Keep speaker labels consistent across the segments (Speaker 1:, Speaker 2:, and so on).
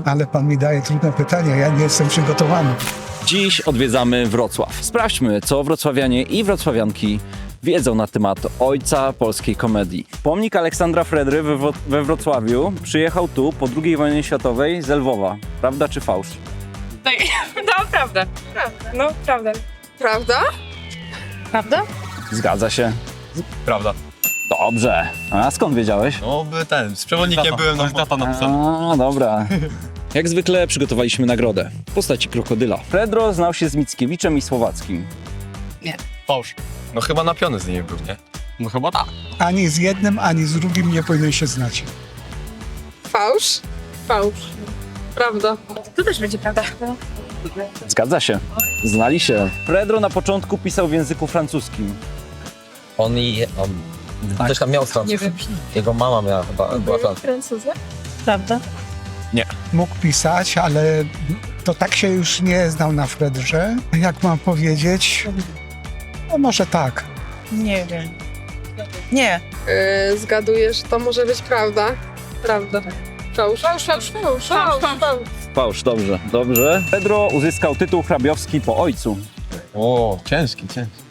Speaker 1: Ale pan mi daje trudne pytania, ja nie jestem przygotowany.
Speaker 2: Dziś odwiedzamy Wrocław. Sprawdźmy, co wrocławianie i wrocławianki wiedzą na temat ojca polskiej komedii. Pomnik Aleksandra Fredry we Wrocławiu przyjechał tu po II wojnie światowej z Lwowa. Prawda czy fałsz?
Speaker 3: Tak, no prawda. No prawda.
Speaker 4: Prawda?
Speaker 3: Prawda?
Speaker 2: Zgadza się.
Speaker 5: Prawda.
Speaker 2: Dobrze. A skąd wiedziałeś?
Speaker 5: No, z przewodnikiem byłem na tata napisał.
Speaker 2: A, dobra. Jak zwykle przygotowaliśmy nagrodę w postaci krokodyla. Fredro znał się z Mickiewiczem i Słowackim.
Speaker 5: Fałsz. No chyba napiony z niej był, nie? No chyba tak.
Speaker 1: Ani z jednym, ani z drugim nie powinien się znać.
Speaker 4: Fałsz? Fałsz. Prawda.
Speaker 3: To też będzie prawda.
Speaker 2: Zgadza się. Znali się. Fredro na początku pisał w języku francuskim.
Speaker 6: On też tam miał francuski.
Speaker 3: Nie wiem.
Speaker 6: Jego mama miała chyba, była francuska.
Speaker 4: Francuza?
Speaker 3: Prawda?
Speaker 1: Mógł pisać, ale to tak się już nie znał na Fredrze. Jak mam powiedzieć? No może tak.
Speaker 3: Nie wiem. Nie.
Speaker 4: Zgaduję, że to może być prawda. Prawda. Fałsz.
Speaker 2: Fałsz, dobrze. Dobrze. Fredro uzyskał tytuł hrabiowski po ojcu.
Speaker 5: O, ciężki.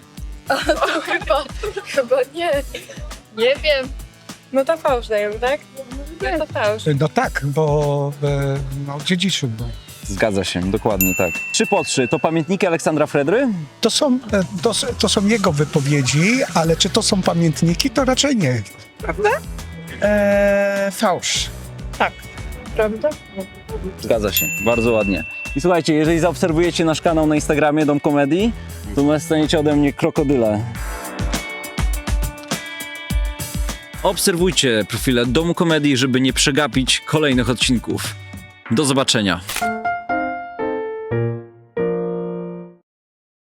Speaker 4: Chyba nie. Nie wiem.
Speaker 3: No to fałsz dają, tak? No to fałsz.
Speaker 1: No tak, bo dziedziczył go.
Speaker 2: Zgadza się, dokładnie tak. 3 to pamiętniki Aleksandra Fredry?
Speaker 1: To są jego wypowiedzi, ale czy to są pamiętniki, to raczej nie.
Speaker 3: Fałsz. Tak. Prawda?
Speaker 2: Zgadza się, bardzo ładnie. I słuchajcie, jeżeli zaobserwujecie nasz kanał na Instagramie Dom Komedii, to dostaniecie ode mnie krokodyle. Obserwujcie profile Domu Komedii, żeby nie przegapić kolejnych odcinków. Do zobaczenia.